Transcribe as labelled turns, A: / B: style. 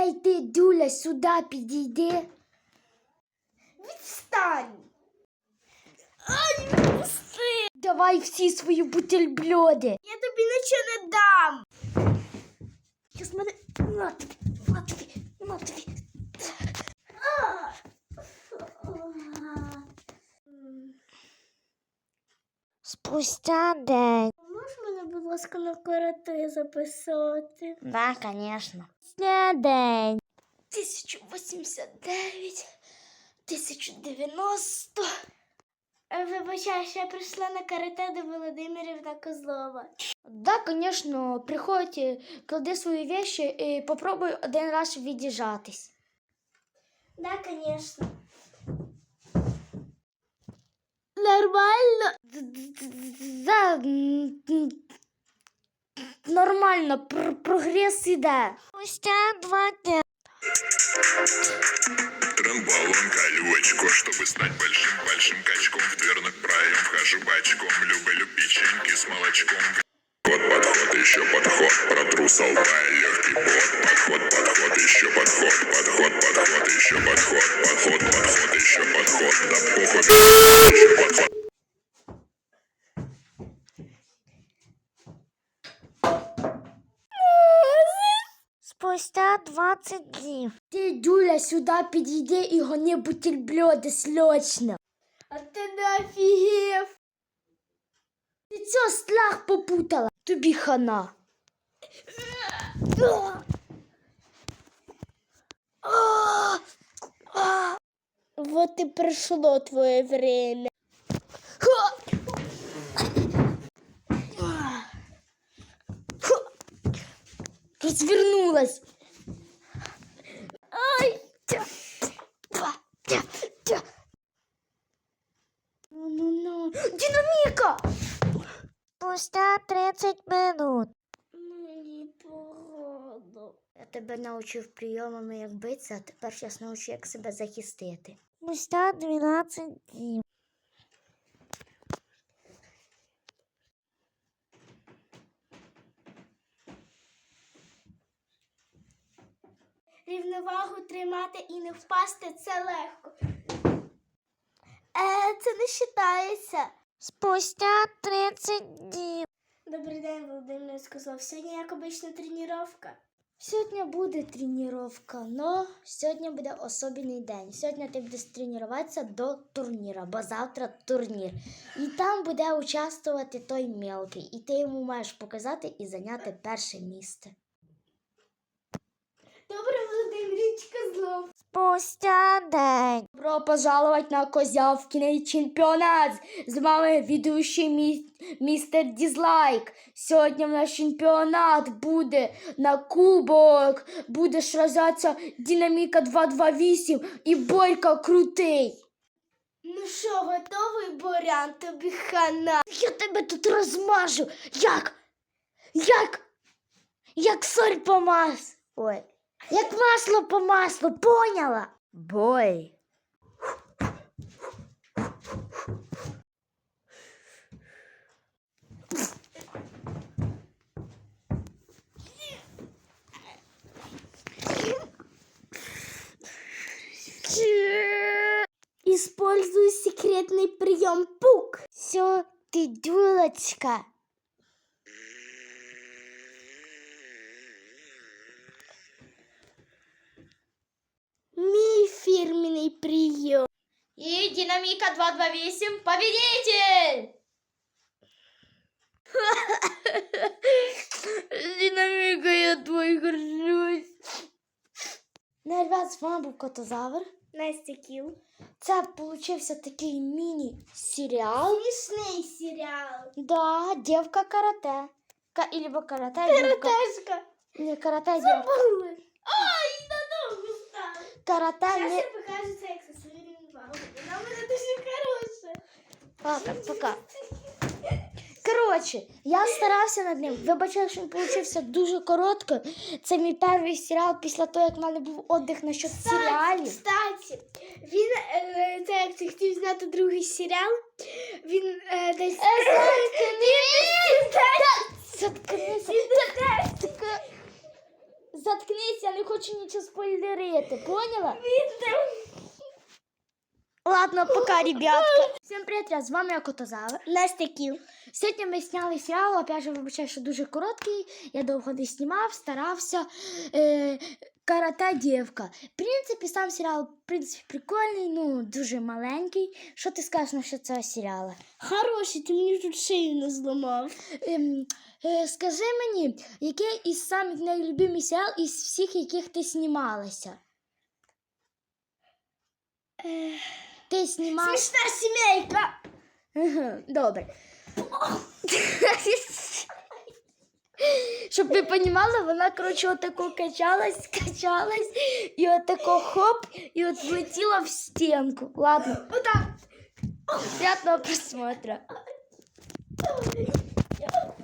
A: Ей, ти, Дюля, сюди підійди.
B: Відстань. Ай, відпусти.
A: Давай всі свої бутельбльоди.
B: Я тобі нічого не дам.
A: Щас мене... На тобі. Спустя день.
B: Можеш мене, будь ласка, на карате записати?
A: Да, конечно. Спустя день.
B: 1089, 1090. Вибачай, я прийшла на карате до Володимирівна Козлова.
A: Да, конечно, приходь, клади свої вещи і попробуй один раз відіжатись.
B: Да, конечно. Нормально?
A: Да, нормально, прогрес іде. Спустя 2 дня.
C: Тренбалон, колючку, чтобы стать большим качком. В дверных проем вхожу бочком, люблю печеньки с молочком. Подход, еще подход, протру со лба легкий пот. Подход, еще подход, еще подход, еще подход. Да похуй, еще подход.
A: Спустя 20 днів. Ти, Дюля, сюди підійди і гони бутельбльоди срочно.
B: А ти не офігів?
A: Ти цього страх попутала. Тобі хана.
B: Вот и пришло твое время.
A: Розвернулась.
B: Ай!
A: Ну. Динаміка! Спустя 30 минут.
B: Мені погано.
A: Я тебе навчив прийомами, як битися, а тепер зараз навчу, як себе захистити. Спустя 12 днів.
B: Рівновагу тримати і не впасти – це легко. Це не вважається.
A: Спустя 30 днів.
B: Добрий день, Володимир Козлов. Сьогодні як обична тренування.
A: Сьогодні буде тренування, но сьогодні буде особливий день. Сьогодні ти будеш тренуватися до турніру, бо завтра турнір. І там буде участвувати той мелкий. І ти йому маєш показати і зайняти перше місце.
B: Добре, Володимир Козлов.
A: Спустя день. Добро пожаловать на Козявкиний чемпіонат. З вами ведущий містер Дизлайк. Сьогодні в нас чемпіонат буде на кубок. Буде сражатися Динаміка 228 і Борька Крутий.
B: Ну що, готовий, Борян? Тобі хана.
A: Я тебе тут розмажу. Як соль по маслу. Ой. Як масло по маслу, поняла? Бой.
B: Используй секретный прием пук.
A: Все, ты дюлочка.
B: Мій фирменный прием.
A: И Динамика 228 победитель! Динамика, я твой горжусь. Ну, ребят, з вами був Котозавр.
B: Настя Кіл.
A: Це получився такий міні-серіал.
B: Смішний серіал.
A: Да, девка карате. Либо карате, девка.
B: Каратешка.
A: Не, карате, девка.
B: Забули. Ай, надовго стало.
A: Карате,
B: Зараз
A: не...
B: я покажу це, як со своєю рівновагою. Вона в мене дуже хороша.
A: Ладно, пока. Коротше, я старався над ним. Вибачаю, що він получився дуже коротко. Це мій перший серіал після того, як в мене був віддих насчет серіалів.
B: Кстати, він, це як ти хотів зняти другий серіал, він десь...
A: Заткнися. заткнись, я не хочу нічого спойлерити, поняла?
B: Він там.
A: Ладно, пока, ребятка. Всім привіт, з вами я Котозавр.
B: Настя Кіл.
A: Сьогодні ми зняли серіал, опять же, вибачаю, що дуже короткий, я довго не знімав, старався. Карате дівка. В принципі, сам серіал, в принципі, прикольний, ну, дуже маленький. Що ти скажеш насчет цього серіалу?
B: Хороший, ти мені тут шию не зламав.
A: Скажи мені, який із самих найлюбимих серіал із всіх, яких ти знімалася? Ти знімалася?
B: Смішна сімейка.
A: Ага, добре. Щоб ви розуміли, вона, коротше, отако качалась, і отако хоп, і от влетіла в стінку. Ладно,
B: Отак.
A: приятного просмотра.